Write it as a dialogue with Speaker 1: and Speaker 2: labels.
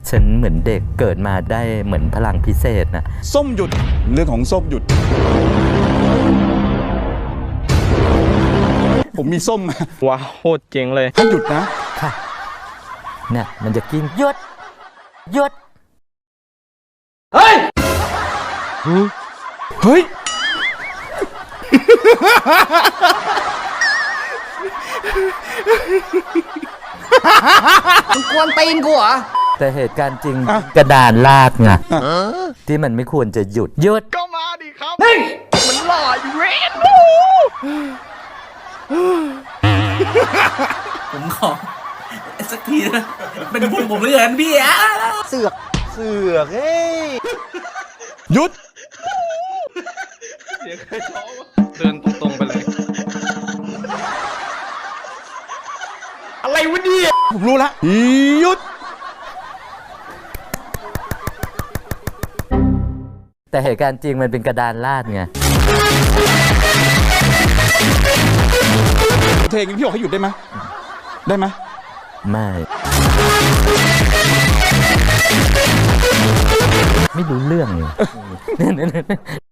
Speaker 1: ฉันเหมือนเด็กเกิดมาได้เหมือนพลังพิเศษนะ
Speaker 2: ส้มหยุดเรื่องของส้มหยุดผมมีส้มมา
Speaker 3: ว้าวโคตรเจ๋งเลย
Speaker 2: ให้หยุดนะ
Speaker 1: ค่ะเนี่ยมันจะกินหยุดหยุด
Speaker 3: เฮ้ย
Speaker 2: เฮ้ย
Speaker 4: มึงกวนตีนกูเหรอ
Speaker 1: แต่เหตุการณ์จริงกระดานลากไงที่มันไม่ควรจะหยุด
Speaker 3: ก็มาดิครับนี่มันหล่ออยู่เรน
Speaker 4: ผมขอสักทีนะเป็นบุญผมเลยกันพี่อะเสือกเฮ้ย
Speaker 2: หยุด
Speaker 3: เสียงใครท้องเดินตรงๆไปเลยอะไรวะเนี่ย
Speaker 2: ผมรู้ละหยุด
Speaker 1: แต่เหตุการณ์จริงมันเป็นกระดานลาดไง
Speaker 2: เพลงพี่บอกให้หยุดได้ไหมได้ไหม
Speaker 1: ไม่รู้เรื่องเลย